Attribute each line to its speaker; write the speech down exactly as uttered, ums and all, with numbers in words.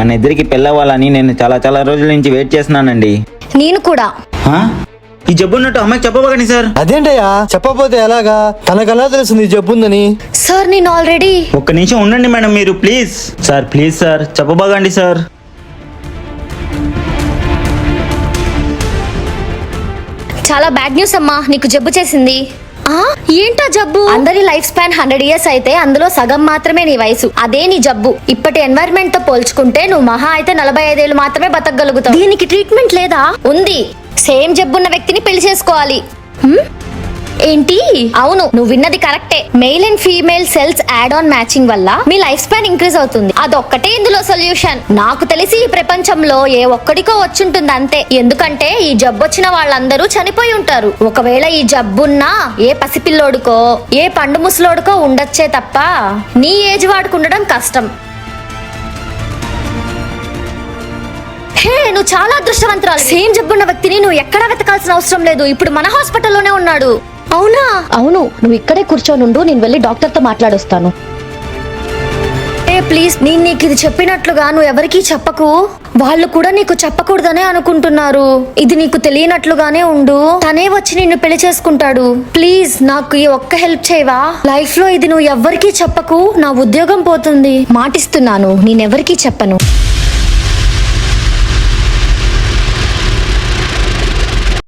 Speaker 1: మన ఇద్దరికి పెళ్ళవ్వాలని నేను చాలా చాలా రోజుల నుంచి వెయిట్ చేస్తున్నానండి.
Speaker 2: నేను కూడా.
Speaker 1: హా? ఈ జబ్బు ఉన్నట్టు అమ్మాయికి చెప్పబోకండి సార్.
Speaker 3: అదేంటయ్యా చెప్పకపోతే ఎలాగా? తనకలా తెలుస్తుంది ఈ జబ్బు ఉందని.
Speaker 2: సార్ నేను ఆల్రెడీ.
Speaker 1: ఒక్క నిమిషం ఉండండి మేడం మీరు, ప్లీజ్ సార్, ప్లీజ్ సార్ చెప్పబోకండి సార్.
Speaker 2: చాలా బ్యాడ్ న్యూస్ అమ్మా, నీకు జబ్బు చేసింది. ఆ ఏంటా జబ్బు? అందరి లైఫ్ స్పాన్ హండ్రెడ్ ఇయర్స్ అయితే అందులో సగం మాత్రమే నీ వయసు. అదే నీ జబ్బు. ఇప్పటి ఎన్వైరన్మెంట్ తో పోల్చుకుంటే నువ్వు మహా అయితే నలభై ఐదేళ్లు మాత్రమే బతకగలుగుతావు. దీనికి ట్రీట్మెంట్ లేదా? ఉంది. సేమ్ జబ్బున్న వ్యక్తిని పెళ్లి చేసుకోవాలి. హ్మ్? ఏంటి? అవును, నువ్వు విన్నది కరెక్టే. Male and female cells add on matching వల్ల మీ లైఫ్ స్పాన్ ఇంక్రీజ్ అవుతుంది. అదొక్కటే ఇందులో సొల్యూషన్. నాకు తెలిసి ఈ ప్రపంచంలో ఏ ఒక్కడికో వచ్చుంటుంది అంతే. ఎందుకంటే ఈ జబ్బు వచ్చిన వాళ్ళందరూ చనిపోయి ఉంటారు. ఒకవేళ ఈ జబ్బున్నా ఏ పసిపిల్లోడుకో ఏ పండు ముసలోడుకో ఉండొచ్చే తప్ప నీ ఏజ్ వాడుకు ఉండడం కష్టం. హే, నువ్వు చాలా అదృష్టవంతురాలు. సేమ్ జబ్బున్న వ్యక్తిని నువ్వు ఎక్కడా వెతకాల్సిన అవసరం లేదు. ఇప్పుడు మన హాస్పిటల్లోనే ఉన్నాడు. అవునా? అవును, నువ్వు ఇక్కడే కూర్చోనుండు, నేను వెళ్ళి డాక్టర్ తో మాట్లాడొస్తాను. ఏ ప్లీజ్, నేను నీకు ఇది చెప్పినట్లుగా నువ్వు ఎవరికీ చెప్పకు. వాళ్ళు కూడా నీకు చెప్పకూడదనే అనుకుంటున్నారు. ఇది నీకు తెలియనట్లుగానే ఉండు. తనే వచ్చి నిన్ను పెళ్లి చేసుకుంటాడు. ప్లీజ్ నాకు ఈ ఒక్క హెల్ప్ చేయవా? లైఫ్ లో ఇది నువ్వు ఎవ్వరికీ చెప్పకు. నా ఉద్యోగం పోతుంది. మాటిస్తున్నాను, నేనెవరికీ చెప్పను.